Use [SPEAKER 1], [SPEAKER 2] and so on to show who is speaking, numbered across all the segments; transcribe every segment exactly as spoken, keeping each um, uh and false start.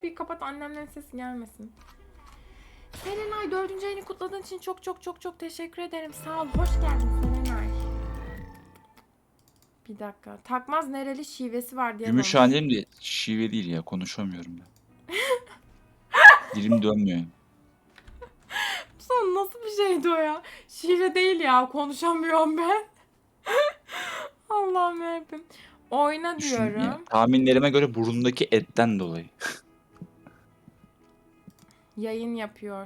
[SPEAKER 1] Bir kapat, annemlerin sesi gelmesin. Serenay, dördüncü ayını kutladığın için çok çok çok çok teşekkür ederim. Sağ ol. Hoş geldin Serenay. Bir dakika. Takmaz nereli şivesi var diye sormuş.
[SPEAKER 2] Gümüşhane'm de şive değil ya. Konuşamıyorum ben. Dilim dönmüyor.
[SPEAKER 1] Son nasıl bir şeydi o ya? Şive değil ya. Konuşamıyorum ben. Allah'ım yarabbim. Oyna
[SPEAKER 2] Düşün, ya,
[SPEAKER 1] diyorum.
[SPEAKER 2] tahminlerime göre burundaki etten dolayı.
[SPEAKER 1] Yayın yapıyor.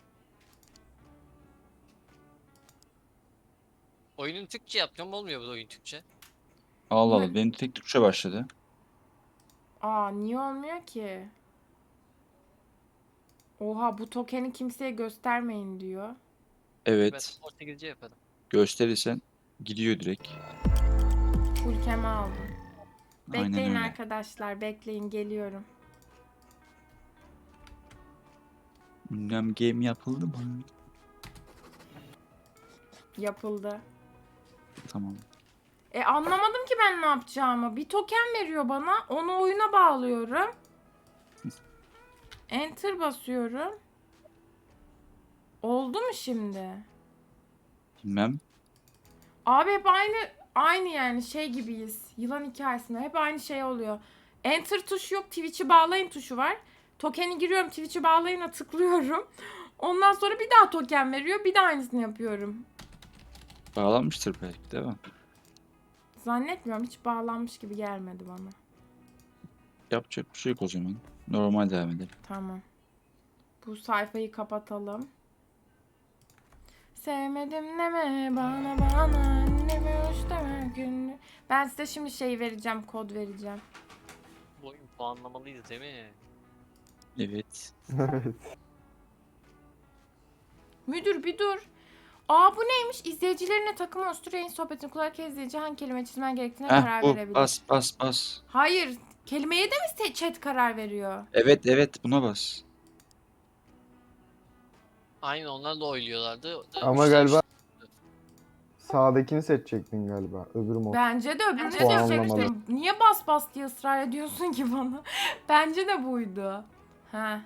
[SPEAKER 3] Oyunun Türkçe yapıyorum, olmuyor bu oyun Türkçe.
[SPEAKER 2] Allah
[SPEAKER 1] Ne?
[SPEAKER 2] Allah. Benim tek Türkçe başladı.
[SPEAKER 1] Aa, niye olmuyor ki? Oha, bu tokeni kimseye göstermeyin diyor.
[SPEAKER 3] Ben
[SPEAKER 2] Evet.
[SPEAKER 3] Portekizce yaparım.
[SPEAKER 2] Gösterirsen gidiyor direkt.
[SPEAKER 1] Ülkeme aldım.
[SPEAKER 2] Aynen
[SPEAKER 1] Bekleyin
[SPEAKER 2] öyle.
[SPEAKER 1] arkadaşlar, bekleyin, geliyorum.
[SPEAKER 2] Ünlem game yapıldı mı?
[SPEAKER 1] Yapıldı.
[SPEAKER 2] Tamam.
[SPEAKER 1] E anlamadım ki ben ne yapacağımı. Bir token veriyor bana. Onu oyuna bağlıyorum. Enter basıyorum. Oldu mu şimdi?
[SPEAKER 2] Bilmem.
[SPEAKER 1] Abi hep aynı aynı yani şey gibiyiz. Yılan hikayesinde hep aynı şey oluyor. Enter tuşu yok, Twitch'i bağlayın tuşu var. Token'i giriyorum, Twitch'i bağlayına tıklıyorum. Ondan sonra bir daha token veriyor. Bir daha aynısını yapıyorum.
[SPEAKER 2] Bağlanmıştır belki değil mi?
[SPEAKER 1] Zannetmiyorum, hiç bağlanmış gibi gelmedi bana.
[SPEAKER 2] Yapacak bir şey yok o zaman. Normal devam edelim.
[SPEAKER 1] Tamam. Bu sayfayı kapatalım. Sevmedim deme bana bana, anneme hoş deme günlü. Ben size şimdi şey vereceğim, kod vereceğim.
[SPEAKER 3] Bu oyun puanlamalıyız değil mi?
[SPEAKER 2] Evet.
[SPEAKER 4] Evet.
[SPEAKER 1] Müdür bir dur. Aa, bu neymiş? İzleyicilerine takım oluşturuyor. En sohbetini kulak izleyici hangi kelime çizmen gerektiğine
[SPEAKER 2] Heh
[SPEAKER 1] karar
[SPEAKER 2] bu.
[SPEAKER 1] verebilir.
[SPEAKER 2] Bas bas bas.
[SPEAKER 1] Hayır. Kelimeye de mi chat karar veriyor?
[SPEAKER 2] Evet evet buna bas.
[SPEAKER 3] Aynen, onlar da oyluyorlardı.
[SPEAKER 4] Ama
[SPEAKER 3] Üçler
[SPEAKER 4] galiba-
[SPEAKER 3] üç-
[SPEAKER 4] Sağdakini seçecektin galiba. Öbür mod.
[SPEAKER 1] Bence de öbürünü
[SPEAKER 4] Puanlamalı.
[SPEAKER 1] seçecektim. Niye bas bas diye ısrar ediyorsun ki bana? Bence de buydu. Ha.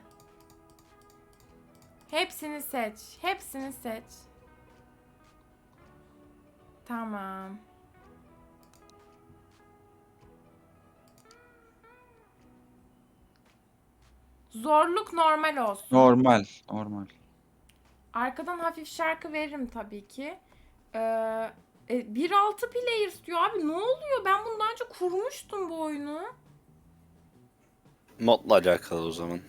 [SPEAKER 1] Hepsini seç. Hepsini seç. Tamam. Zorluk normal olsun.
[SPEAKER 2] Normal. Normal.
[SPEAKER 1] Arkadan hafif şarkı veririm tabii ki. Ee, e, bir nokta altı players diyor abi, ne oluyor? Ben bunu daha önce kurmuştum bu oyunu.
[SPEAKER 5] Modla alakalı o zaman.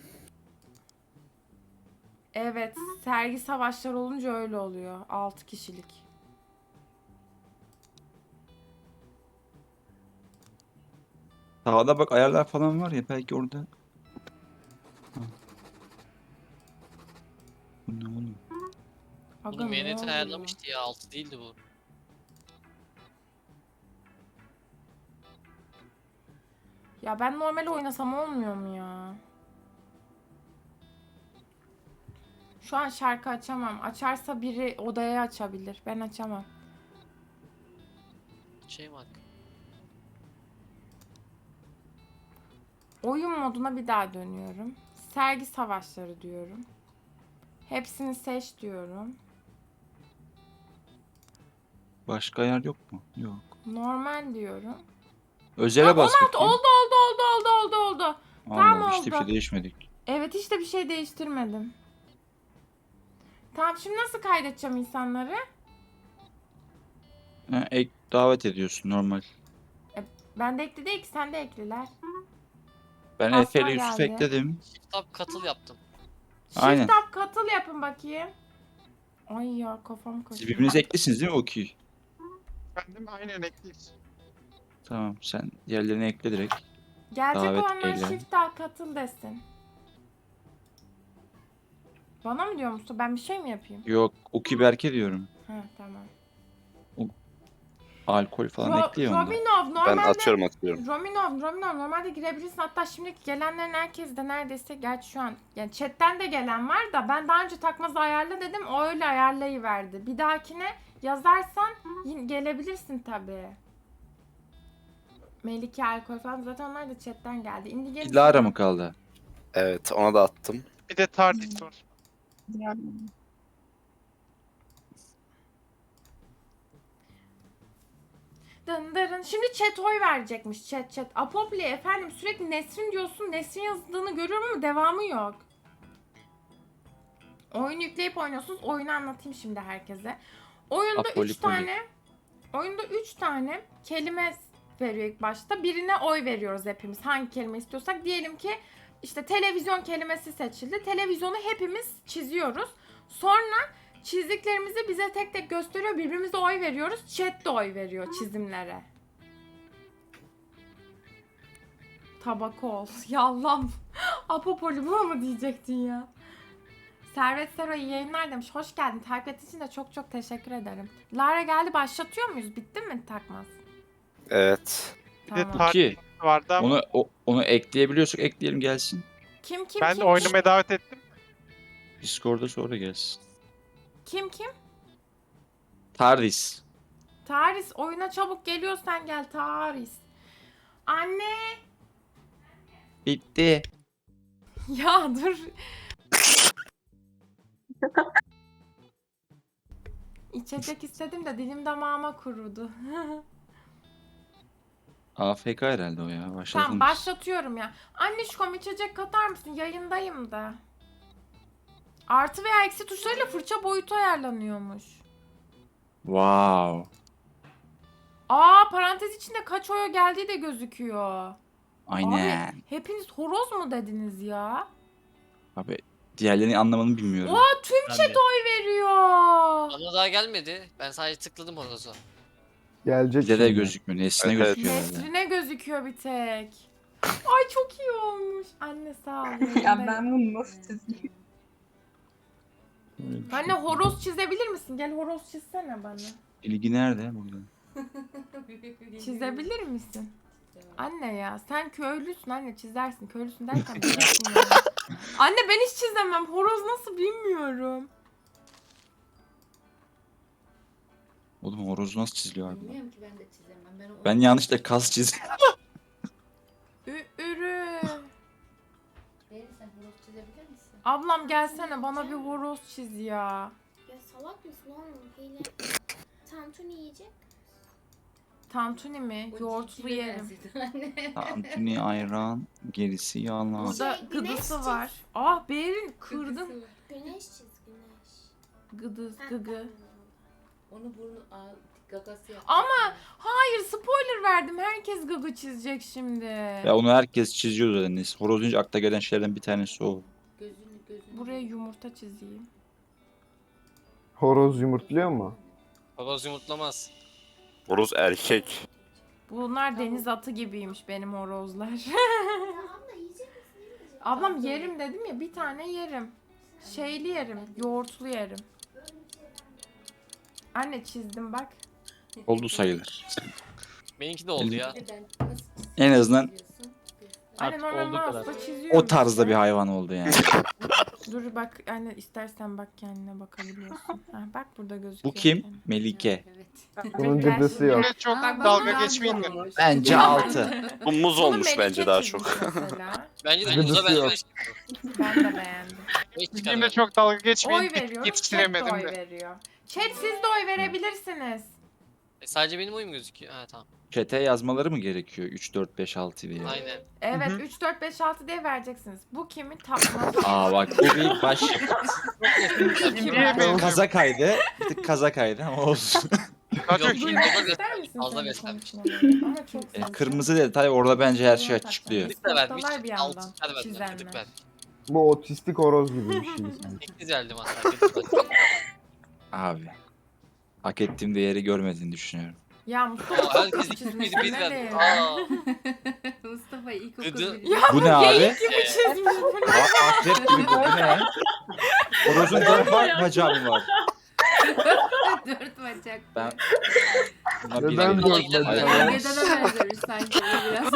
[SPEAKER 1] Evet, sergi savaşları olunca öyle oluyor. altı kişilik.
[SPEAKER 2] Sağda bak ayarlar falan var ya belki orada. Ha. Bu ne oğlum?
[SPEAKER 1] Aga,
[SPEAKER 3] Bunu
[SPEAKER 1] ne
[SPEAKER 3] M N T
[SPEAKER 1] oluyor?
[SPEAKER 3] ayarlamıştı ya, altı değildi bu.
[SPEAKER 1] Ya ben normal oynasam olmuyor mu ya? Şu an şarkı açamam. Açarsa biri odaya açabilir. Ben açamam.
[SPEAKER 3] Şey bak.
[SPEAKER 1] Oyun moduna bir daha dönüyorum. Sergi savaşları diyorum. Hepsini seç diyorum.
[SPEAKER 2] Başka ayar yok mu? Yok.
[SPEAKER 1] Normal diyorum.
[SPEAKER 2] Özele
[SPEAKER 1] Ha,
[SPEAKER 2] bas
[SPEAKER 1] on altı
[SPEAKER 2] bakayım.
[SPEAKER 1] oldu oldu oldu oldu oldu oldu.
[SPEAKER 2] Allah
[SPEAKER 1] Tamam,
[SPEAKER 2] Allah, işte bir
[SPEAKER 1] oldu.
[SPEAKER 2] şey değişmedik.
[SPEAKER 1] Evet, hiç de bir şey değiştirmedim. Tamam, şimdi nasıl kaydedeceğim insanları?
[SPEAKER 2] Ha, ek davet ediyorsun normal.
[SPEAKER 1] Ben de ekli değil ki, sen de ekliler.
[SPEAKER 2] Ben
[SPEAKER 1] Aslan
[SPEAKER 2] Efe ile Yusuf
[SPEAKER 1] geldi.
[SPEAKER 2] ekledim.
[SPEAKER 3] Kitap katıl yaptım.
[SPEAKER 2] Aynen.
[SPEAKER 1] Shift up katıl yapın bakayım. Ay ya, kafam
[SPEAKER 2] Siz
[SPEAKER 1] kaçıyor.
[SPEAKER 2] birbirinize eklisiniz değil mi Okey?
[SPEAKER 6] Efendim aynen ekliyiz.
[SPEAKER 2] Tamam sen diğerlerini ekle direkt.
[SPEAKER 1] Gelecek
[SPEAKER 2] davet
[SPEAKER 1] olanlar
[SPEAKER 2] eyle.
[SPEAKER 1] shift up katıl desin. Bana mı diyor musun? Ben bir şey mi yapayım?
[SPEAKER 2] Yok Okey Berke diyorum.
[SPEAKER 1] Ha, tamam.
[SPEAKER 2] Alkol falan
[SPEAKER 1] Ro-
[SPEAKER 2] ekliyor onda.
[SPEAKER 1] Rominov
[SPEAKER 5] Ben
[SPEAKER 1] normalde...
[SPEAKER 5] atıyorum atıyorum.
[SPEAKER 1] Rominov, Rominov normalde girebilirsin. Hatta şimdiki gelenlerin herkes de neredeyse, gerçi şu an yani chatten de gelen var da ben daha önce takmazı ayarla dedim, o öyle ayarlayıverdi. Bir dahakine yazarsan yine gelebilirsin tabii. Melike, alkol falan zaten onlar da chatten geldi. Indi gelin.
[SPEAKER 2] Lara mı kaldı?
[SPEAKER 5] Evet ona da attım.
[SPEAKER 6] Bir de Tardis var.
[SPEAKER 1] Dındırın. Şimdi chat oy verecekmiş. Chat chat. Apopli efendim sürekli Nesrin diyorsun. Nesrin yazdığını görüyorum ama devamı yok. Oyun yükleyip oynuyorsunuz. Oyunu anlatayım şimdi herkese. Oyunda
[SPEAKER 2] Apoli
[SPEAKER 1] üç
[SPEAKER 2] poli.
[SPEAKER 1] tane oyunda üç tane kelime veriyor ilk başta. Birine oy veriyoruz hepimiz. Hangi kelime istiyorsak. Diyelim ki işte televizyon kelimesi seçildi. Televizyonu hepimiz çiziyoruz. Sonra çizdiklerimizi bize tek tek gösteriyor. Birbirimize oy veriyoruz. Chat de oy veriyor çizimlere. Tabaka ol. Yallam. Apopoli bu mu diyecektin ya? Servet Sero iyi yayınlar demiş. Hoş geldin. Takip ettiğin için de çok çok teşekkür ederim. Lara geldi. Başlatıyor muyuz? Bitti mi takmaz?
[SPEAKER 5] Evet.
[SPEAKER 6] Bir de
[SPEAKER 1] Tamam.
[SPEAKER 6] Tardis vardı ama
[SPEAKER 2] Onu o- onu ekleyebiliyorsak ekleyelim gelsin.
[SPEAKER 1] Kim kim
[SPEAKER 6] ben
[SPEAKER 1] kim?
[SPEAKER 6] de oynamaya davet ettim.
[SPEAKER 2] Discord'da sonra gelsin.
[SPEAKER 1] Kim kim?
[SPEAKER 2] Tardis.
[SPEAKER 1] Taris oyuna çabuk geliyorsan gel Taris. Anne.
[SPEAKER 2] Bitti.
[SPEAKER 1] Ya dur. İçecek istedim de dilim damağıma kurudu.
[SPEAKER 2] A F K herhalde o ya. Başlatalım.
[SPEAKER 1] Tamam başlatıyorum ya. Annişkom içecek katar mısın? Yayındayım da. Artı veya eksi tuşlarıyla fırça boyutu ayarlanıyormuş.
[SPEAKER 2] Wow.
[SPEAKER 1] Aa parantez içinde kaç oya geldiği de gözüküyor.
[SPEAKER 2] Aynen.
[SPEAKER 1] Abi hepiniz horoz mu dediniz ya?
[SPEAKER 2] Abi diğerlerini anlamanı bilmiyorum.
[SPEAKER 1] Aa tüm
[SPEAKER 3] Ben
[SPEAKER 1] chat
[SPEAKER 3] de.
[SPEAKER 1] oy veriyor.
[SPEAKER 3] Bana daha gelmedi. Ben sadece tıkladım horozu.
[SPEAKER 4] Gelecek
[SPEAKER 2] Bize de
[SPEAKER 4] şimdi.
[SPEAKER 2] gözükmüyor. Nesine
[SPEAKER 5] Evet, evet.
[SPEAKER 2] gözüküyor herhalde.
[SPEAKER 1] Nesrine gözüküyor bir tek. Ay çok iyi olmuş. Anne sağ ol.
[SPEAKER 7] Ya
[SPEAKER 1] yayındayım.
[SPEAKER 7] ben bunu nasıl çizeyim?
[SPEAKER 2] Öyle bir şey.
[SPEAKER 1] Anne horoz çizebilir misin? Gel horoz çizsene bana.
[SPEAKER 2] İlgi nerede burada?
[SPEAKER 1] Çizebilir misin? Anne ya sen köylüsün anne çizersin. Köylüsün derken bilirsin ya. Anne ben hiç çizemem. Horoz nasıl bilmiyorum.
[SPEAKER 2] Oğlum horoz nasıl çiziliyor abi?
[SPEAKER 8] Bilmiyorum ki ben de çizemem. Ben, o-
[SPEAKER 2] Ben yanlışlıkla kas çizdim.
[SPEAKER 1] Ü ürü.
[SPEAKER 8] Beğeni sen horoz çizebilir misin?
[SPEAKER 1] Ablam gelsene bana bir horoz çiz ya.
[SPEAKER 9] Ya salak mısın oğlum? Hile. Tantuni yiyecek.
[SPEAKER 1] Tantuni mi?
[SPEAKER 8] O
[SPEAKER 1] Yoğurtlu
[SPEAKER 8] civcive
[SPEAKER 1] yerim.
[SPEAKER 8] benzedi anne.
[SPEAKER 2] Tantuni ayran, gerisi yalan.
[SPEAKER 1] Burada
[SPEAKER 9] Şey, güneş
[SPEAKER 1] gıdısı
[SPEAKER 9] çiz.
[SPEAKER 1] var. Ah Berin kırdın.
[SPEAKER 8] Kırkısı var.
[SPEAKER 9] Güneş çiz güneş.
[SPEAKER 1] Gıdız
[SPEAKER 9] Ha,
[SPEAKER 1] gıgı.
[SPEAKER 9] tamam.
[SPEAKER 8] Onu burnu aa, gagası yaptı.
[SPEAKER 1] Ama hayır spoiler verdim. Herkes gıgı çizecek şimdi.
[SPEAKER 2] Ya onu herkes çiziyor zaten. Neyse, horoz deyince akla gelen şeylerden bir tanesi o.
[SPEAKER 8] Gözünü gözünü.
[SPEAKER 1] Buraya yumurta çizeyim.
[SPEAKER 4] Horoz yumurtluyor mu?
[SPEAKER 3] Horoz yumurtlamaz.
[SPEAKER 5] Horoz erkek.
[SPEAKER 1] Bunlar deniz atı gibiymiş benim horozlar.
[SPEAKER 9] Ya abla yiyecek misin? Yemeyecek.
[SPEAKER 1] Ablam yerim dedim ya bir tane yerim. Şeyli yerim, yoğurtlu yerim. Anne çizdim bak.
[SPEAKER 2] Oldu sayılır.
[SPEAKER 3] Benimki de oldu ya.
[SPEAKER 8] Bir de ben nasıl çizeceğim
[SPEAKER 2] En azından
[SPEAKER 8] diyorsun.
[SPEAKER 1] Anne
[SPEAKER 3] Artık
[SPEAKER 1] normal
[SPEAKER 3] olduğu kadar.
[SPEAKER 1] mouse'la çiziyorum.
[SPEAKER 2] o tarzda
[SPEAKER 1] işte.
[SPEAKER 2] bir hayvan oldu yani.
[SPEAKER 1] Dur bak anne istersen bak kendine bakabiliyorsun. Ha, bak burada gözüküyor.
[SPEAKER 2] Bu kim?
[SPEAKER 1] kendine.
[SPEAKER 2] Melike.
[SPEAKER 8] Evet.
[SPEAKER 4] Bunun gıdısı yok.
[SPEAKER 6] Yine çok
[SPEAKER 1] Bak,
[SPEAKER 6] dalga
[SPEAKER 1] bak,
[SPEAKER 6] geçmeyin de.
[SPEAKER 7] Olmuş.
[SPEAKER 2] Bence altı.
[SPEAKER 5] Bu muz
[SPEAKER 1] Bunu
[SPEAKER 5] olmuş
[SPEAKER 1] Melike
[SPEAKER 5] bence daha
[SPEAKER 1] çizmiş
[SPEAKER 5] çok.
[SPEAKER 1] mesela.
[SPEAKER 3] Bence de
[SPEAKER 4] Gıdısı
[SPEAKER 3] muza ben
[SPEAKER 4] yok.
[SPEAKER 3] beş
[SPEAKER 1] Ben de beğendim.
[SPEAKER 3] beş
[SPEAKER 6] Yine çok dalga geçmeyin.
[SPEAKER 1] Oy
[SPEAKER 6] Yet-
[SPEAKER 1] veriyorum. Chat de
[SPEAKER 6] Yetiştiremedim
[SPEAKER 1] oy
[SPEAKER 6] de.
[SPEAKER 1] veriyor. Chat siz de oy verebilirsiniz.
[SPEAKER 3] E, sadece benim oyum gözüküyor. Ha tamam.
[SPEAKER 2] Chat'e yazmaları mı gerekiyor? üç, dört, beş, altı diye.
[SPEAKER 3] Aynen.
[SPEAKER 1] Evet
[SPEAKER 6] Hı hı.
[SPEAKER 1] üç, dört, beş, altı diye vereceksiniz. Bu kimin tapması?
[SPEAKER 2] Aa bak bu bir baş
[SPEAKER 1] İki
[SPEAKER 6] Niye
[SPEAKER 1] var.
[SPEAKER 6] benziyor?
[SPEAKER 2] kaza kaydı. Bir tık kaza kaydı ama olsun.
[SPEAKER 6] Daha çok
[SPEAKER 3] Yok,
[SPEAKER 6] iyi.
[SPEAKER 1] Duymak
[SPEAKER 3] Fazla
[SPEAKER 1] ister misin
[SPEAKER 3] fazla
[SPEAKER 1] sen bu
[SPEAKER 3] beslenmiş.
[SPEAKER 1] konuşmaları? Ama çok
[SPEAKER 2] E,
[SPEAKER 1] saçma.
[SPEAKER 2] kırmızı detay orada bence her şey açıklıyor.
[SPEAKER 3] Tık da vermiş.
[SPEAKER 1] Noktalar bir
[SPEAKER 3] Altı
[SPEAKER 1] yandan.
[SPEAKER 3] tane verdim.
[SPEAKER 1] Çizenler.
[SPEAKER 3] Tık verdim.
[SPEAKER 4] Bu otistik horoz gibi bir şey. sanki.
[SPEAKER 3] Sekiz verdim hatta. sekiz verdim.
[SPEAKER 2] Abi. Hak ettiğim değeri görmediğini düşünüyorum.
[SPEAKER 1] Ya Mustafa
[SPEAKER 3] Aa,
[SPEAKER 1] çok
[SPEAKER 3] herkes
[SPEAKER 1] kötü
[SPEAKER 3] iki
[SPEAKER 1] çizmiş.
[SPEAKER 3] bir
[SPEAKER 1] Ne
[SPEAKER 3] verdi.
[SPEAKER 1] diyeyim?
[SPEAKER 3] Aa.
[SPEAKER 8] Mustafa ilkokul
[SPEAKER 3] Gıdı-
[SPEAKER 8] birinci.
[SPEAKER 2] Bu ne abi?
[SPEAKER 1] Geyik gibi çizmiş. Bu ne?
[SPEAKER 2] Aa, akrep gibi bu bu ne? Horozun dört ba- bacağı mı var?
[SPEAKER 8] Dört bacak.
[SPEAKER 2] Ben buna bir
[SPEAKER 4] Neden
[SPEAKER 2] veririm.
[SPEAKER 4] dört
[SPEAKER 3] gidelim.
[SPEAKER 4] bacak?
[SPEAKER 8] Gölgeden benzemiş sanki bu biraz.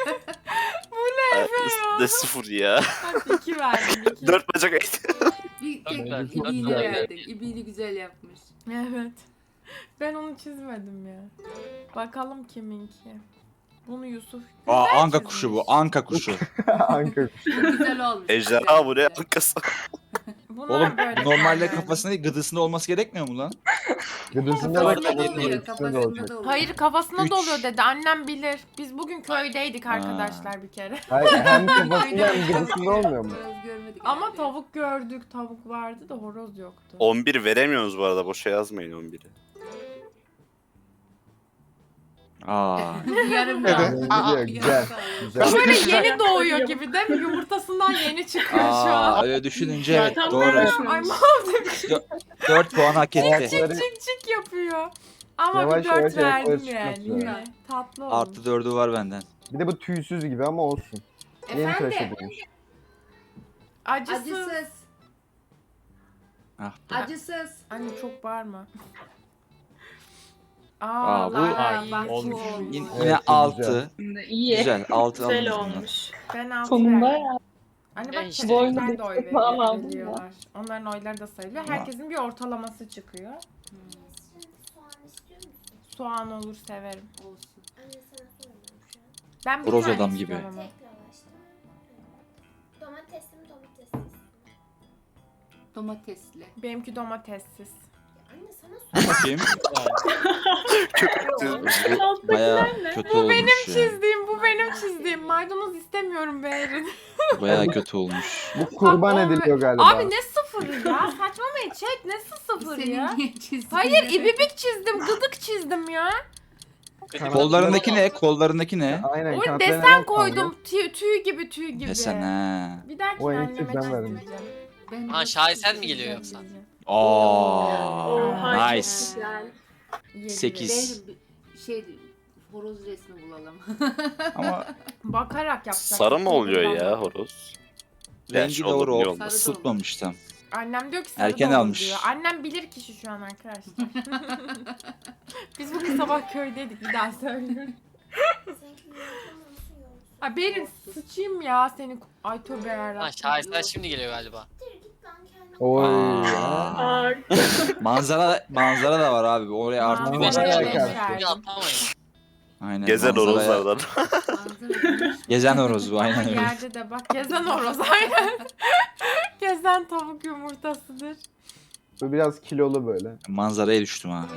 [SPEAKER 5] Ne sıfır ya.
[SPEAKER 1] Bak iki verdim. iki.
[SPEAKER 5] Dört bacak et.
[SPEAKER 8] Bir
[SPEAKER 3] Dört
[SPEAKER 8] tek
[SPEAKER 3] verdim.
[SPEAKER 8] ibiğini
[SPEAKER 4] Güzel.
[SPEAKER 8] verdim. İbiğini güzel yapmış.
[SPEAKER 1] Evet. Ben onu çizmedim ya. Bakalım kiminki. Bunu Yusuf
[SPEAKER 2] Aa,
[SPEAKER 1] güzel
[SPEAKER 2] anka
[SPEAKER 1] çizmiş.
[SPEAKER 2] kuşu bu. Anka kuşu.
[SPEAKER 4] Anka.
[SPEAKER 8] Bu güzel olmuş.
[SPEAKER 5] Ejderha buraya arkası.
[SPEAKER 1] Bunlar
[SPEAKER 2] Oğlum
[SPEAKER 1] böyle
[SPEAKER 2] normalde
[SPEAKER 1] yani.
[SPEAKER 2] kafasında değil gıdısında olması gerekmiyor mu lan?
[SPEAKER 4] Gıdısında da
[SPEAKER 8] Kafasında da
[SPEAKER 4] kafasında
[SPEAKER 8] oluyor.
[SPEAKER 4] ikisinde de
[SPEAKER 8] Kafasında
[SPEAKER 4] olacak.
[SPEAKER 8] da oluyor.
[SPEAKER 1] Hayır kafasına
[SPEAKER 2] Üç.
[SPEAKER 1] doluyor dedi. Annem bilir. Biz bugün köydeydik
[SPEAKER 2] Ha.
[SPEAKER 1] arkadaşlar bir kere.
[SPEAKER 4] Hayır, hem kafasında hem gıdısında olmuyor mu?
[SPEAKER 8] Horoz görmedik.
[SPEAKER 1] Ama
[SPEAKER 8] herhalde.
[SPEAKER 1] tavuk gördük. Tavuk vardı da horoz yoktu.
[SPEAKER 5] on bir veremiyoruz bu arada. Boşa yazmayın on biri.
[SPEAKER 2] Aa.
[SPEAKER 8] Yarım
[SPEAKER 6] Evet.
[SPEAKER 8] kaldı.
[SPEAKER 4] Gidiyor,
[SPEAKER 8] Yarım
[SPEAKER 4] güzel.
[SPEAKER 8] kaldı.
[SPEAKER 4] Güzel.
[SPEAKER 1] Böyle yeni doğuyor gibi değil mi? Yumurtasından yeni çıkıyor şu
[SPEAKER 2] Aa,
[SPEAKER 1] an.
[SPEAKER 2] öyle düşününce evet
[SPEAKER 7] Zaten
[SPEAKER 2] doğru.
[SPEAKER 7] böyle-
[SPEAKER 1] Ay mahvoldu.
[SPEAKER 2] dört puan hak etti.
[SPEAKER 4] Ayakları
[SPEAKER 1] Çık çık yapıyor. Ama
[SPEAKER 4] Yavaş
[SPEAKER 1] bir
[SPEAKER 4] yavaş
[SPEAKER 1] dört
[SPEAKER 4] ayakları
[SPEAKER 1] verdim
[SPEAKER 4] çıkmak
[SPEAKER 1] yani
[SPEAKER 4] üzere.
[SPEAKER 1] yine. Tatlı olmuş.
[SPEAKER 2] Artı dördü var benden.
[SPEAKER 4] Bir de bu tüysüz gibi ama olsun. Yeni tıraş
[SPEAKER 1] Efendim
[SPEAKER 4] edilmiş.
[SPEAKER 1] acısız.
[SPEAKER 8] Acısız.
[SPEAKER 2] Ah be.
[SPEAKER 8] Acısız.
[SPEAKER 1] Anne çok bağırma. Aa,
[SPEAKER 2] Aa, bu-
[SPEAKER 1] Lara iyi.
[SPEAKER 8] Bak,
[SPEAKER 7] olmuş.
[SPEAKER 8] bu
[SPEAKER 2] Yine,
[SPEAKER 8] olmuş.
[SPEAKER 2] yine
[SPEAKER 4] Evet,
[SPEAKER 2] altı.
[SPEAKER 7] Şimdi iyi.
[SPEAKER 2] Güzel. Altı
[SPEAKER 7] Güzel
[SPEAKER 2] aldım.
[SPEAKER 7] olmuş.
[SPEAKER 1] Ben altı
[SPEAKER 7] Sonunda
[SPEAKER 1] verdim.
[SPEAKER 7] ya.
[SPEAKER 1] Anne
[SPEAKER 3] Ya
[SPEAKER 1] bak
[SPEAKER 3] işte.
[SPEAKER 1] çocuklar da oy
[SPEAKER 7] Boynunda falan
[SPEAKER 1] veriyor-
[SPEAKER 7] aldım
[SPEAKER 1] veriyorlar. Onların oyları da sayılıyor. Herkesin bir ortalaması çıkıyor.
[SPEAKER 9] Şimdi soğan istiyor musun?
[SPEAKER 1] Soğan olur severim.
[SPEAKER 8] Olsun.
[SPEAKER 9] Anne sana sormuyorum şu an.
[SPEAKER 1] Ben bir
[SPEAKER 2] Horoz
[SPEAKER 1] tane
[SPEAKER 2] adam
[SPEAKER 1] istiyorum
[SPEAKER 2] gibi.
[SPEAKER 1] ama.
[SPEAKER 9] Tek lavaşta. Domatesli mi domatessiz?
[SPEAKER 8] Domatesli.
[SPEAKER 1] Benimki domatessiz.
[SPEAKER 9] Ya anne sana sor.
[SPEAKER 2] Bakayım. Bu
[SPEAKER 7] Alttakiler
[SPEAKER 2] baya
[SPEAKER 7] ne?
[SPEAKER 2] kötü olmuş ya.
[SPEAKER 1] Çizdiğim bu benim çizdiğim. Maydanoz istemiyorum Berin.
[SPEAKER 2] Baya kötü olmuş.
[SPEAKER 4] Bu kurban
[SPEAKER 1] Bak, o-
[SPEAKER 4] ediliyor galiba.
[SPEAKER 1] Abi ne sıfırı ya? Saçmalamayın chat. Ne sıfırı
[SPEAKER 8] Senin
[SPEAKER 1] ya?
[SPEAKER 8] niye çizdin?
[SPEAKER 1] Hayır ibibik çizdim. Gıdık çizdim ya.
[SPEAKER 2] Kollarındaki ne? Kollarındaki ne?
[SPEAKER 4] Aynen.
[SPEAKER 1] O
[SPEAKER 4] kanatlarına
[SPEAKER 1] desen
[SPEAKER 4] renk
[SPEAKER 1] koydum. Tüy, tüy gibi tüy gibi.
[SPEAKER 2] Desen ha.
[SPEAKER 1] Bir dahaki
[SPEAKER 4] O en
[SPEAKER 1] anneme
[SPEAKER 4] tipten verdim.
[SPEAKER 1] çizdireceğim.
[SPEAKER 8] Ben
[SPEAKER 3] Ha, şaheser mi geliyor yoksa?
[SPEAKER 1] Çizdireceğim.
[SPEAKER 2] Aa,
[SPEAKER 7] Oha,
[SPEAKER 2] nice.
[SPEAKER 7] çok güzel.
[SPEAKER 1] Yedi
[SPEAKER 2] Sekiz.
[SPEAKER 1] verin.
[SPEAKER 8] Ben bir şey horoz resmi bulalım.
[SPEAKER 2] Ama
[SPEAKER 1] Bakarak yapacağım.
[SPEAKER 5] Sarı mı oluyor ya horoz?
[SPEAKER 2] rengi
[SPEAKER 5] Gerçi
[SPEAKER 2] doğru
[SPEAKER 5] olur, niye
[SPEAKER 2] ol.
[SPEAKER 5] olmaz?
[SPEAKER 8] Sarı da
[SPEAKER 2] Isıtmamış tam.
[SPEAKER 1] Annem diyor ki sarı
[SPEAKER 2] Erken
[SPEAKER 1] da olur
[SPEAKER 2] almış.
[SPEAKER 1] diyor. Annem bilir kişi şu an arkadaşlar. Biz bugün sabah köydeydik bir daha söylüyorum.
[SPEAKER 9] Seninki yumurta mı olsun yoğursun?
[SPEAKER 1] Ay Berin sıçayım ya seni. Ay tövbe yarabbim.
[SPEAKER 3] Ha, şaheser şimdi geliyor galiba.
[SPEAKER 9] Dur git lan kendine.
[SPEAKER 4] Oy.
[SPEAKER 2] Aa.
[SPEAKER 7] Aa,
[SPEAKER 2] Manzara manzara da var abi. Oraya artık
[SPEAKER 1] Manzara
[SPEAKER 3] Bir beş
[SPEAKER 1] Manzaraya
[SPEAKER 3] tane
[SPEAKER 4] karşı.
[SPEAKER 1] beşer.
[SPEAKER 3] Bir atlamayın.
[SPEAKER 2] Aynen.
[SPEAKER 5] Gezen
[SPEAKER 2] manzaraya-
[SPEAKER 5] horozlardan.
[SPEAKER 8] Manzara gümüş.
[SPEAKER 2] Gezen horoz bu
[SPEAKER 1] Ama
[SPEAKER 2] aynen öyle.
[SPEAKER 1] yerde de bak gezen horoz aynen. Gezen tavuk yumurtasıdır.
[SPEAKER 4] Bu biraz kilolu böyle.
[SPEAKER 2] Manzaraya düştüm abi.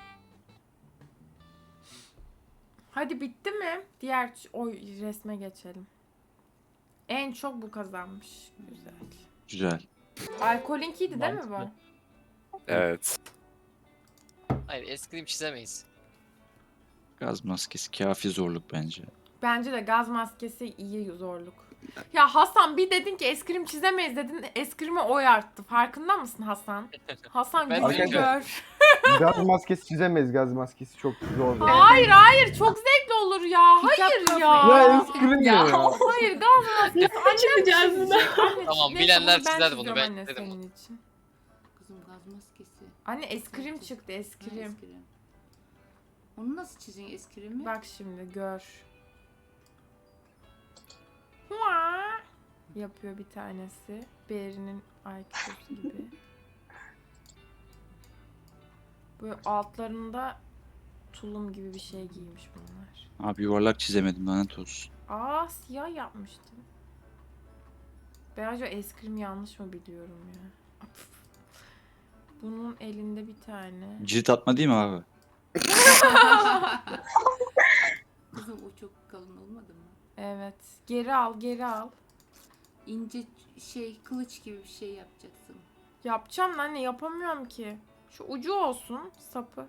[SPEAKER 1] Hadi bitti mi? Diğer ç- oy resme geçelim. En çok bu kazanmış. Güzel.
[SPEAKER 2] Güzel.
[SPEAKER 1] Alkolinkiydi değil mi bu?
[SPEAKER 7] Mantıklı.
[SPEAKER 5] Evet.
[SPEAKER 3] Hayır eskrim çizemeyiz.
[SPEAKER 2] Gaz maskesi kafi zorluk bence.
[SPEAKER 1] Bence de gaz maskesi iyi zorluk. Ya Hasan bir dedin ki eskrim çizemeyiz dedin. Eskrime oy arttı. Farkında mısın Hasan? Hasan
[SPEAKER 3] Ben
[SPEAKER 1] gücünü
[SPEAKER 2] de-
[SPEAKER 1] gör.
[SPEAKER 4] Gaz maskesi çizemeyiz. Gaz maskesi çok zor. bir-
[SPEAKER 1] Hayır hayır çok zevkli olur ya. Hayır ya.
[SPEAKER 4] Ya eskrim ya.
[SPEAKER 1] Hayır gaz maskesi. Annem
[SPEAKER 7] çıkacağız
[SPEAKER 1] çizecek. Anne,
[SPEAKER 3] Tamam,
[SPEAKER 1] neyse,
[SPEAKER 3] bilenler
[SPEAKER 1] bunu ben
[SPEAKER 3] çizer bunu,
[SPEAKER 1] çiziyorum
[SPEAKER 3] ben
[SPEAKER 1] anne
[SPEAKER 3] dedim
[SPEAKER 1] senin
[SPEAKER 3] bunu.
[SPEAKER 1] için.
[SPEAKER 8] Kızım gaz maskesi.
[SPEAKER 1] Anne eskrim çıktı
[SPEAKER 8] Ha,
[SPEAKER 1] eskrim.
[SPEAKER 8] eskrim. Onu nasıl çizeceksin eskrimi?
[SPEAKER 1] Bak şimdi gör. Hua! Yapıyor bir tanesi. Beri'nin I Q'su gibi. Böyle altlarında tulum gibi bir şey giymiş bunlar.
[SPEAKER 2] Abi yuvarlak çizemedim lanet olsun.
[SPEAKER 1] Aa siyah yapmıştım. Ben acaba eskrim yanlış mı biliyorum ya? Bunun elinde bir tane.
[SPEAKER 2] Cirit atma değil mi abi?
[SPEAKER 8] Kızım o çok kalın olmadı mı?
[SPEAKER 1] Evet. Geri al, geri al.
[SPEAKER 8] İnce şey kılıç gibi bir şey yapacaksın.
[SPEAKER 1] Yapacağım lan anne yapamıyorum ki. Şu ucu olsun sapı.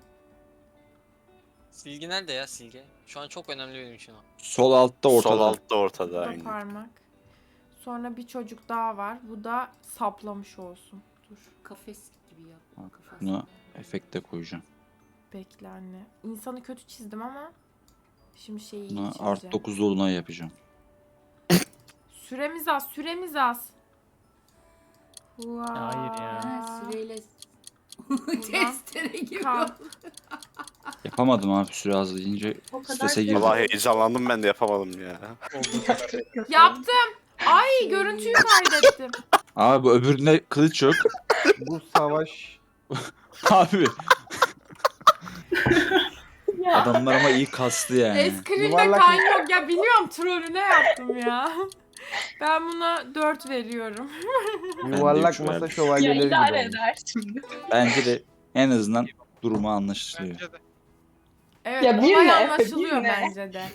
[SPEAKER 3] Silgi nerede ya silgi? Şu an çok önemli benim için o.
[SPEAKER 2] Sol altta ortada.
[SPEAKER 5] Sol altta
[SPEAKER 1] Bu
[SPEAKER 5] ortada
[SPEAKER 1] da
[SPEAKER 5] aynı.
[SPEAKER 1] parmak. Sonra bir çocuk daha var. Bu da saplamış olsun. Dur
[SPEAKER 8] Kafes gibi yap.
[SPEAKER 2] Bak,
[SPEAKER 8] Kafasını.
[SPEAKER 2] buna efekt de koyacağım.
[SPEAKER 1] bekle anne. İnsanı kötü çizdim ama şimdi şeyi iyi
[SPEAKER 2] Buna
[SPEAKER 1] çizeceğim.
[SPEAKER 2] artı dokuz dolunay yapacağım.
[SPEAKER 1] Süremiz az, süremiz az. Vay.
[SPEAKER 7] Hayır ya.
[SPEAKER 8] Ha, süreyle testere gibi
[SPEAKER 1] Kalk.
[SPEAKER 8] oldu.
[SPEAKER 2] Yapamadım abi süre az deyince
[SPEAKER 7] O kadar
[SPEAKER 2] strese
[SPEAKER 7] şey-
[SPEAKER 2] girdim.
[SPEAKER 5] Valla heyecanlandım ben de yapamadım ya.
[SPEAKER 1] Yaptım. Ay görüntüyü kaydettim.
[SPEAKER 2] Abi bu öbüründe kılıç yok.
[SPEAKER 4] Bu savaş
[SPEAKER 2] Abi Adamlar ama iyi kaslı yani.
[SPEAKER 1] Eskrimde
[SPEAKER 4] Yuvarlak
[SPEAKER 1] kan yok ya, biliyorum trollüne yaptım ya. Ben buna dört veriyorum.
[SPEAKER 4] Yuvarlak
[SPEAKER 2] üç
[SPEAKER 4] masa
[SPEAKER 2] verdim.
[SPEAKER 7] Ya
[SPEAKER 4] şövalyeleri gibi
[SPEAKER 7] idare
[SPEAKER 4] olmuş.
[SPEAKER 7] eder şimdi.
[SPEAKER 2] Bence de en azından durumu anlaşılıyor.
[SPEAKER 6] Bence de.
[SPEAKER 1] Evet,
[SPEAKER 7] Ya bir
[SPEAKER 1] olay
[SPEAKER 7] ne Efe,
[SPEAKER 1] anlaşılıyor
[SPEAKER 7] bir ne?
[SPEAKER 1] bence de.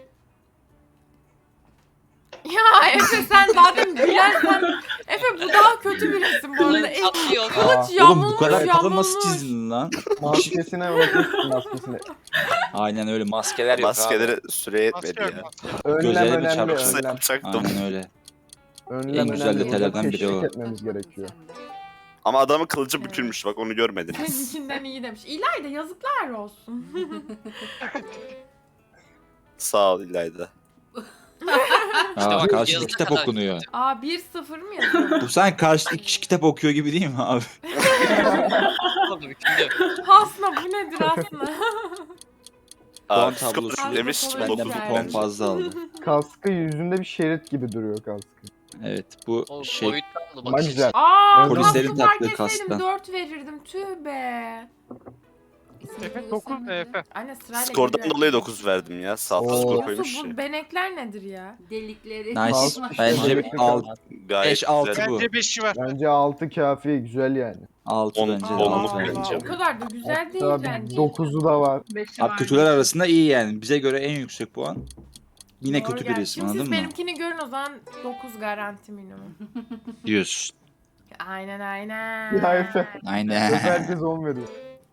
[SPEAKER 1] Ya Efe sen zaten gülersen... Efe bu daha kötü bir resim bu arada. E,
[SPEAKER 3] Tatlıyor.
[SPEAKER 1] kılıç
[SPEAKER 2] Oğlum
[SPEAKER 1] yamulmuş
[SPEAKER 2] bu kadar kalın nasıl
[SPEAKER 1] yamulmuş.
[SPEAKER 2] çizdin lan?
[SPEAKER 4] Maskesine bakıyorsun maskesine.
[SPEAKER 2] Aynen öyle, maskeler yok
[SPEAKER 5] Maskeleri
[SPEAKER 2] abi.
[SPEAKER 5] süre
[SPEAKER 6] Maske
[SPEAKER 5] yetmedi
[SPEAKER 6] yok
[SPEAKER 5] ya.
[SPEAKER 6] maske.
[SPEAKER 4] Önlem
[SPEAKER 2] Gözlerimi
[SPEAKER 4] önemli
[SPEAKER 2] çarpsın.
[SPEAKER 4] önlem.
[SPEAKER 5] Yapacaktım.
[SPEAKER 2] Aynen öyle.
[SPEAKER 4] Önlem
[SPEAKER 2] En güzel
[SPEAKER 4] önemli.
[SPEAKER 2] detaylardan
[SPEAKER 4] Burada
[SPEAKER 2] biri o.
[SPEAKER 4] teşvik etmemiz gerekiyor.
[SPEAKER 5] Ama adamın kılıcı
[SPEAKER 1] Evet.
[SPEAKER 5] bükülmüş bak onu görmediniz.
[SPEAKER 1] Seninkinden iyi demiş. İlayda yazıklar olsun.
[SPEAKER 5] Sağ ol İlayda.
[SPEAKER 2] Aa,
[SPEAKER 3] bak,
[SPEAKER 2] karşıda
[SPEAKER 3] yazıda
[SPEAKER 2] kitap
[SPEAKER 3] kadar
[SPEAKER 2] okunuyor.
[SPEAKER 1] Aa bir sıfır mı yazıyor?
[SPEAKER 2] Bu sen karşıda iki kişi kitap okuyor gibi değil mi abi?
[SPEAKER 3] Oldu büküldü.
[SPEAKER 1] Hasna bu nedir Hasna?
[SPEAKER 2] Puan
[SPEAKER 5] Aa,
[SPEAKER 2] tablosu
[SPEAKER 5] skor demiş
[SPEAKER 1] Tablosu
[SPEAKER 2] benden
[SPEAKER 5] dokuz
[SPEAKER 2] bir
[SPEAKER 1] güzel.
[SPEAKER 2] puan
[SPEAKER 5] bence.
[SPEAKER 2] fazla aldı.
[SPEAKER 4] Kaskı yüzünde bir şerit gibi duruyor kaskı.
[SPEAKER 2] Evet bu
[SPEAKER 3] O
[SPEAKER 2] şey
[SPEAKER 3] boyuttan da
[SPEAKER 4] Ama
[SPEAKER 3] bakış
[SPEAKER 4] güzel.
[SPEAKER 1] Aa
[SPEAKER 2] Polislerin
[SPEAKER 1] kaskı fark
[SPEAKER 2] taktığı
[SPEAKER 1] etseydim
[SPEAKER 2] kastan.
[SPEAKER 1] dört verirdim tüh be.
[SPEAKER 6] Efe dokuz ne Efe?
[SPEAKER 1] Anne sırayla
[SPEAKER 5] Skordan
[SPEAKER 1] geliyor.
[SPEAKER 5] dolayı dokuz verdim ya. Sağlıklı
[SPEAKER 4] Oo.
[SPEAKER 5] skor
[SPEAKER 1] Nasıl
[SPEAKER 5] koymuş
[SPEAKER 1] bu
[SPEAKER 5] ya.
[SPEAKER 1] benekler nedir ya?
[SPEAKER 8] Delikleri.
[SPEAKER 2] nice.
[SPEAKER 4] Kask-
[SPEAKER 2] Bence bir
[SPEAKER 4] Kask-
[SPEAKER 2] alt,
[SPEAKER 5] Gayet
[SPEAKER 2] beş altı
[SPEAKER 5] güzel.
[SPEAKER 2] bu.
[SPEAKER 6] Bence beşi ver.
[SPEAKER 4] Bence altı kafi güzel yani.
[SPEAKER 2] altı
[SPEAKER 5] On-
[SPEAKER 2] bence de
[SPEAKER 5] on-
[SPEAKER 1] Allah
[SPEAKER 5] onluk
[SPEAKER 2] altı
[SPEAKER 1] Allah.
[SPEAKER 2] bence.
[SPEAKER 5] bence.
[SPEAKER 1] O kadar da güzel değil
[SPEAKER 4] Hatta
[SPEAKER 1] bence.
[SPEAKER 4] dokuzu da var.
[SPEAKER 7] Beşi
[SPEAKER 2] Abi
[SPEAKER 7] var.
[SPEAKER 2] kötüler arasında iyi yani. Bize göre en yüksek puan. Yine
[SPEAKER 1] Doğru
[SPEAKER 2] kötü bir
[SPEAKER 1] gerçi.
[SPEAKER 2] resim,
[SPEAKER 1] Şimdi
[SPEAKER 2] anladın
[SPEAKER 1] siz
[SPEAKER 2] mı?
[SPEAKER 1] benimkini görün o zaman dokuz garanti minimum.
[SPEAKER 2] Diyorsun.
[SPEAKER 1] Aynen aynen.
[SPEAKER 4] Ya Efe.
[SPEAKER 2] Aynen.
[SPEAKER 4] Efe herkes on veriyor.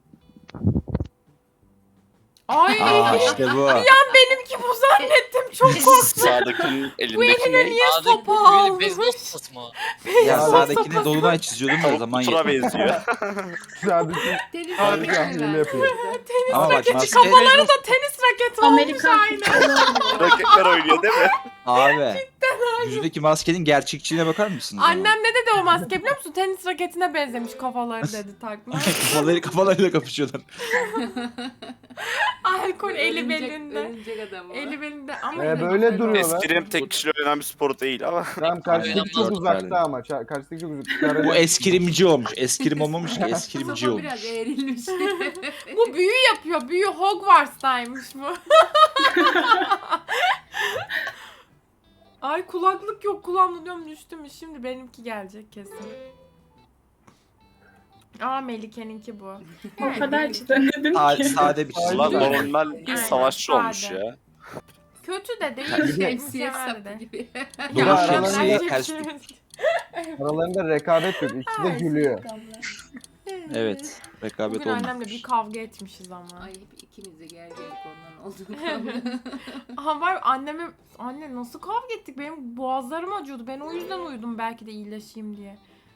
[SPEAKER 1] Ay
[SPEAKER 2] Aa işte bu.
[SPEAKER 1] benimki bu zannettim çok korktum.
[SPEAKER 5] Sağdakinin
[SPEAKER 1] Bu
[SPEAKER 5] elindeki
[SPEAKER 1] eline
[SPEAKER 5] ne?
[SPEAKER 1] niye
[SPEAKER 3] Sağdaki
[SPEAKER 1] sopa
[SPEAKER 3] böyle
[SPEAKER 1] almış?
[SPEAKER 3] beyzbol sopası mı?
[SPEAKER 2] Ya
[SPEAKER 4] Abi,
[SPEAKER 2] sağdakine dolunay çiziyordum da
[SPEAKER 5] Tavuk
[SPEAKER 2] zaman
[SPEAKER 5] kutura
[SPEAKER 2] yetmedi.
[SPEAKER 5] benziyor.
[SPEAKER 4] Sadece
[SPEAKER 8] Deniz
[SPEAKER 6] Abi,
[SPEAKER 4] sadece hile yapıyor.
[SPEAKER 2] Ama bak
[SPEAKER 1] Raketi
[SPEAKER 2] maske
[SPEAKER 1] kafaları da tenis raketi olmuş
[SPEAKER 7] Amerikan
[SPEAKER 1] aynı.
[SPEAKER 5] Raketler oynuyor değil mi?
[SPEAKER 2] abi. Yüzündeki maskenin gerçekçiliğine bakar mısınız? ama?
[SPEAKER 1] Annem ne dedi o maske biliyor musun? Tenis raketine benzemiş kafaları dedi takma.
[SPEAKER 2] kafaları kafalarıyla kapışıyorlar.
[SPEAKER 1] Alkol eli
[SPEAKER 8] Örümcek-
[SPEAKER 1] belinde.
[SPEAKER 8] Örümcek adam o.
[SPEAKER 1] Eli belinde ama
[SPEAKER 4] Ee,
[SPEAKER 1] yine
[SPEAKER 4] böyle
[SPEAKER 1] güzel
[SPEAKER 4] duruyorlar.
[SPEAKER 1] oldu.
[SPEAKER 5] Eskrim tek kişiyle oynanan bir spor değil ama.
[SPEAKER 4] Tamam karşıdaki çok
[SPEAKER 2] Dört
[SPEAKER 4] uzakta
[SPEAKER 2] verdim.
[SPEAKER 4] ama. ça- Karşıdaki çok uzakta.
[SPEAKER 2] Bu eskrimci olmuş. Eskrim olmamış ki eskrimci
[SPEAKER 8] Sopa
[SPEAKER 2] olmuş.
[SPEAKER 8] biraz eğrilmiş.
[SPEAKER 1] Bu büyü yapıyor. Büyü Hogwarts'taymış bu. Ay kulaklık yok kulağımda diyorum düştü mü? Şimdi benimki gelecek kesin. Aa Melike'ninki bu.
[SPEAKER 7] O kadar çizemedim
[SPEAKER 2] Sa-
[SPEAKER 7] ki.
[SPEAKER 2] sade bir çizim.
[SPEAKER 5] Ulan
[SPEAKER 2] var.
[SPEAKER 5] normal
[SPEAKER 1] Aynen,
[SPEAKER 5] savaşçı olmuş
[SPEAKER 1] sade.
[SPEAKER 5] ya.
[SPEAKER 1] Kötü de değil.
[SPEAKER 8] Şemsiye
[SPEAKER 1] mükemmel
[SPEAKER 8] sapı
[SPEAKER 1] de.
[SPEAKER 8] gibi.
[SPEAKER 2] Dolu
[SPEAKER 1] Ya,
[SPEAKER 2] şemsiyeyi
[SPEAKER 1] bence
[SPEAKER 2] ters
[SPEAKER 1] ki-
[SPEAKER 2] tut.
[SPEAKER 4] Aralarında rekabet yok. İkisi de
[SPEAKER 1] Ay,
[SPEAKER 4] gülüyor.
[SPEAKER 2] Evet. Rekabet
[SPEAKER 1] Bugün annemle
[SPEAKER 2] olmuş.
[SPEAKER 1] bir kavga etmişiz ama.
[SPEAKER 8] Ay ikimiz de gerginlik ondan oldu.
[SPEAKER 1] Aha var anneme anne nasıl kavga ettik benim boğazlarım acıyordu ben o yüzden uyudum belki de iyileşeyim diye.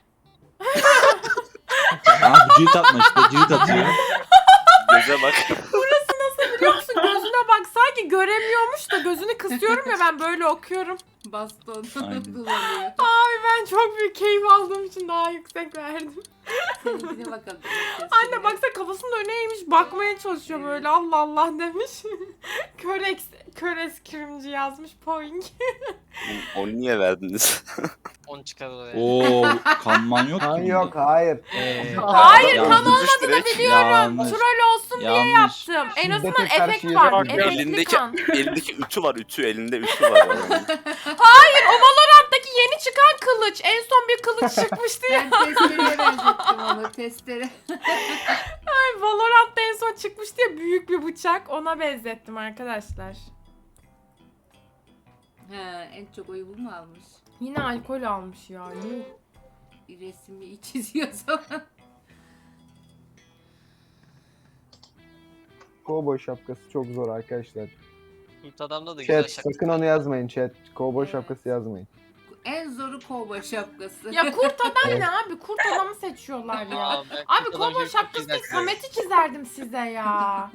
[SPEAKER 2] Ha bu cirit atma işte. Cirit atıyor.
[SPEAKER 5] Göze bak.
[SPEAKER 1] Biliyor musun gözüne bak sanki göremiyormuş da gözünü kısıyorum ya ben böyle okuyorum.
[SPEAKER 8] Baston
[SPEAKER 2] Aynen.
[SPEAKER 8] kullanıyor.
[SPEAKER 1] Ben çok büyük keyif aldığım için daha yüksek verdim.
[SPEAKER 8] Seninkine bakalım.
[SPEAKER 1] Anne baksana kafasının önüne eğmiş bakmaya çalışıyor böyle Allah Allah demiş. kör, eks, kör eskrimci yazmış point.
[SPEAKER 5] Onu niye verdiniz?
[SPEAKER 3] on çıkar oraya.
[SPEAKER 2] Oo kanman yok
[SPEAKER 4] Kan
[SPEAKER 2] ki
[SPEAKER 4] yok
[SPEAKER 2] bunda.
[SPEAKER 4] hayır.
[SPEAKER 1] Hayır
[SPEAKER 2] Yanlış.
[SPEAKER 1] kan olmadığını biliyorum.
[SPEAKER 2] Yanlış.
[SPEAKER 1] Troll olsun diye
[SPEAKER 2] Yanlış.
[SPEAKER 1] yaptım. En
[SPEAKER 4] Şiddete
[SPEAKER 1] azından
[SPEAKER 4] karşı
[SPEAKER 1] efekt
[SPEAKER 4] yere
[SPEAKER 1] var.
[SPEAKER 6] bak,
[SPEAKER 1] Efektli
[SPEAKER 5] elindeki-
[SPEAKER 1] kan.
[SPEAKER 5] Elindeki ütü var ütü. Elinde ütü var.
[SPEAKER 1] Hayır o Valorant'taki yeni çıkan kılıç. En son bir kılıç çıkmıştı ya.
[SPEAKER 8] Ben testereye benzettim onu testere.
[SPEAKER 1] Ay, Valorant'ta en son çıkmıştı ya büyük bir bıçak. Ona benzettim arkadaşlar.
[SPEAKER 8] Ha, en çok oyu bu mu almış?
[SPEAKER 1] Yine alkol almış ya. Yuh.
[SPEAKER 8] Resmi çiziyor zaman.
[SPEAKER 4] Kovboy şapkası çok zor arkadaşlar.
[SPEAKER 3] Kurt adamda da güzel
[SPEAKER 4] Chat
[SPEAKER 3] şaka.
[SPEAKER 4] sakın onu yazmayın chat. Kovboy şapkası yazmayın.
[SPEAKER 8] En zoru kovboy şapkası.
[SPEAKER 1] Ya kurt adam ne abi? Kurt adamı seçiyorlar ya.
[SPEAKER 3] Aa, ben
[SPEAKER 1] Abi
[SPEAKER 3] kurt adam
[SPEAKER 1] kovboy
[SPEAKER 3] gibi çok
[SPEAKER 1] şapkası değil
[SPEAKER 3] güzel
[SPEAKER 1] Samet'i çizerdim size ya.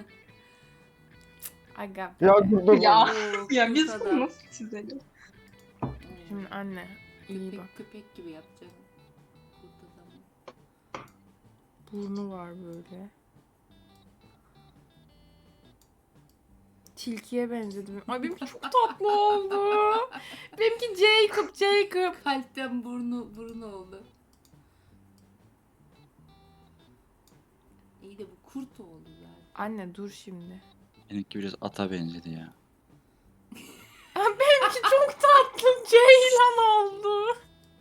[SPEAKER 1] Aga.
[SPEAKER 4] Ya dur dur.
[SPEAKER 7] Ya.
[SPEAKER 8] Oo,
[SPEAKER 7] Ya biz
[SPEAKER 8] kurt
[SPEAKER 7] bunu
[SPEAKER 8] adam.
[SPEAKER 7] nasıl çizelim?
[SPEAKER 1] Şimdi anne iyi bak.
[SPEAKER 8] Köpek, köpek gibi yapacağım. Kurt adamı.
[SPEAKER 1] Burnu var böyle. Tilkiye benzedim. Ay benimki çok tatlı oldu. Benimki Jacob, Jacob.
[SPEAKER 8] Kalpten burnu burnu oldu. İyi de bu kurt oldu zaten.
[SPEAKER 1] Anne dur şimdi.
[SPEAKER 2] Benimki biraz ata benzedi ya.
[SPEAKER 1] Benimki çok tatlı ceylan oldu.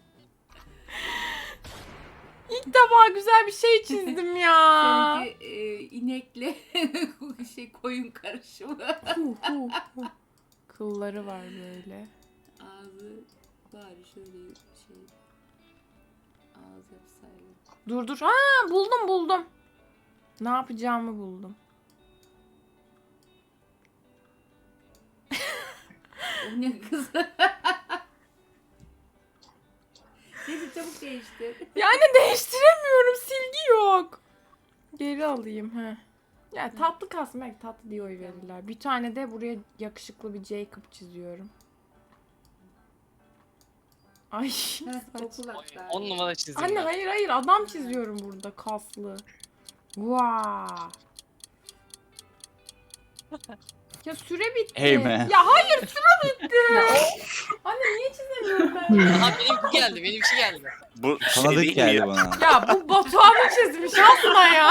[SPEAKER 1] İlk defa güzel bir şey çizdim ya.
[SPEAKER 8] Seninki e, inekle şey koyun karışımı.
[SPEAKER 1] Hu, hu, hu. Kılları var böyle.
[SPEAKER 8] Ağzı bari şöyle şey. Ağız yapsaydı.
[SPEAKER 1] Dur dur. Ha buldum buldum. Ne yapacağımı buldum.
[SPEAKER 8] O ne kız? Neyse çabuk değiştir.
[SPEAKER 1] Yani değiştiremiyorum. Silgi yok. Geri alayım ha. Ya tatlı kasmak tatlı diye oy verirler. Bir tane de buraya yakışıklı bir Jacob çiziyorum. Ay.
[SPEAKER 8] Okul hatta.
[SPEAKER 3] on numara çizdim
[SPEAKER 1] Anne
[SPEAKER 3] ben.
[SPEAKER 1] hayır hayır adam çiziyorum burada kaslı. Vaa. Ya süre bitti.
[SPEAKER 2] Hey man.
[SPEAKER 1] Ya hayır süre bitti. Anne niye çizemiyorum ben?
[SPEAKER 3] Aha benimki geldi, benimki geldi.
[SPEAKER 5] Bu şey
[SPEAKER 2] Tanıdık
[SPEAKER 5] değil mi
[SPEAKER 2] geldi
[SPEAKER 5] ya?
[SPEAKER 2] bana.
[SPEAKER 1] Ya bu Batuhan'ı çizmiş Hasna ya.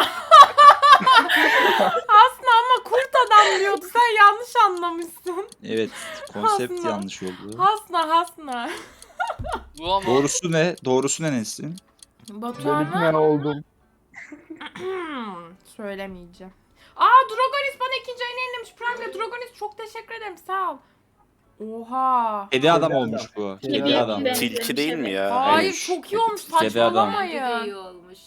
[SPEAKER 1] Hasna ama kurt adam diyordu. Sen yanlış anlamışsın.
[SPEAKER 2] Evet, konsept
[SPEAKER 1] Aslında.
[SPEAKER 2] yanlış oldu.
[SPEAKER 1] Hasna Hasna.
[SPEAKER 3] Bu ama
[SPEAKER 2] Doğrusu ne? Doğrusu ne Nesin?
[SPEAKER 4] Dedik
[SPEAKER 1] Batuhan'a
[SPEAKER 4] ben oldum.
[SPEAKER 1] söylemeyeceğim. Aa Drogonis bana ikinci ayını yenilemiş. Prime Drogonis çok teşekkür ederim sağ ol. Oha.
[SPEAKER 2] Kedi adam
[SPEAKER 4] adam.
[SPEAKER 2] olmuş bu.
[SPEAKER 4] Kedi
[SPEAKER 2] Kedi
[SPEAKER 4] adam.
[SPEAKER 2] adam.
[SPEAKER 5] Tilki değil mi ya?
[SPEAKER 1] Hayır
[SPEAKER 2] Hayır,
[SPEAKER 1] çok iyi olmuş
[SPEAKER 2] kedi adam.
[SPEAKER 8] Bence de iyi
[SPEAKER 1] saçmalamayın.
[SPEAKER 8] olmuş.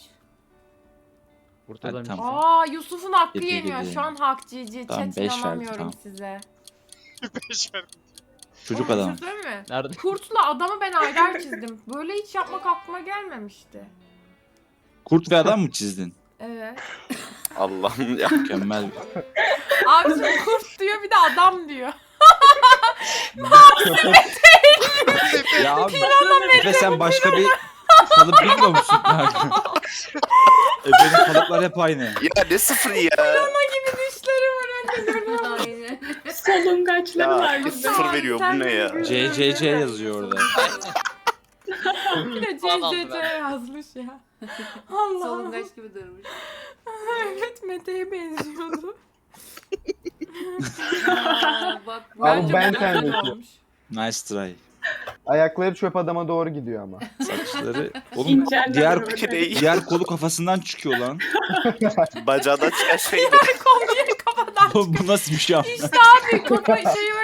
[SPEAKER 2] Hadi tamam.
[SPEAKER 1] Aa Yusuf'un hakkı
[SPEAKER 2] Kedi
[SPEAKER 1] yeniyor.
[SPEAKER 2] gibi.
[SPEAKER 1] Şu an hak cici.
[SPEAKER 2] Tamam,
[SPEAKER 1] Chat
[SPEAKER 2] beş verdi,
[SPEAKER 1] inanamıyorum
[SPEAKER 2] tamam.
[SPEAKER 1] size.
[SPEAKER 6] beş verdim.
[SPEAKER 2] Çocuk
[SPEAKER 1] Ama bir
[SPEAKER 2] adam.
[SPEAKER 1] şey söyleyeyim mi?
[SPEAKER 2] Nerede?
[SPEAKER 1] Kurtla adamı ben aylar çizdim. Böyle hiç yapmak aklıma gelmemişti.
[SPEAKER 2] Kurt ve adam mı çizdin?
[SPEAKER 1] Evet.
[SPEAKER 5] Allah'ım ya.
[SPEAKER 2] Mükemmel.
[SPEAKER 1] Abi şimdi kurt diyor bir de adam diyor.
[SPEAKER 2] Ya abi. Efe sen başka bir kalıp bilmiyor musun? Efe'nin kalıplar hep aynı.
[SPEAKER 5] Ya ne sıfır ya?
[SPEAKER 1] gibi dişleri var anne görüyor musun?
[SPEAKER 8] Aynen.
[SPEAKER 7] Solungaçları var
[SPEAKER 5] Ya
[SPEAKER 7] bir de.
[SPEAKER 5] sıfır veriyor bu ne ya?
[SPEAKER 2] C C C yazıyor orada.
[SPEAKER 1] Bir de
[SPEAKER 3] Falan
[SPEAKER 1] C C C yazmış ya. Allah.
[SPEAKER 8] Solungaç gibi durmuş.
[SPEAKER 1] Evet Mete'ye benziyordu.
[SPEAKER 8] Aa, bak bu.
[SPEAKER 4] Abi
[SPEAKER 1] Bence
[SPEAKER 4] ben
[SPEAKER 1] bu
[SPEAKER 4] sen
[SPEAKER 1] güzel
[SPEAKER 4] de-
[SPEAKER 1] olmuş.
[SPEAKER 2] Nice try.
[SPEAKER 4] Ayakları çöp adama doğru gidiyor ama.
[SPEAKER 2] Saçları. Oğlum
[SPEAKER 7] İnceller
[SPEAKER 2] diğer
[SPEAKER 7] böyle.
[SPEAKER 2] diğer kolu kafasından çıkıyor lan.
[SPEAKER 5] Bacağına çıkan şey de.
[SPEAKER 1] Konuyu kafadan.
[SPEAKER 2] Oğlum bu nasıl bir şey?
[SPEAKER 1] İşte abi kafa şeyi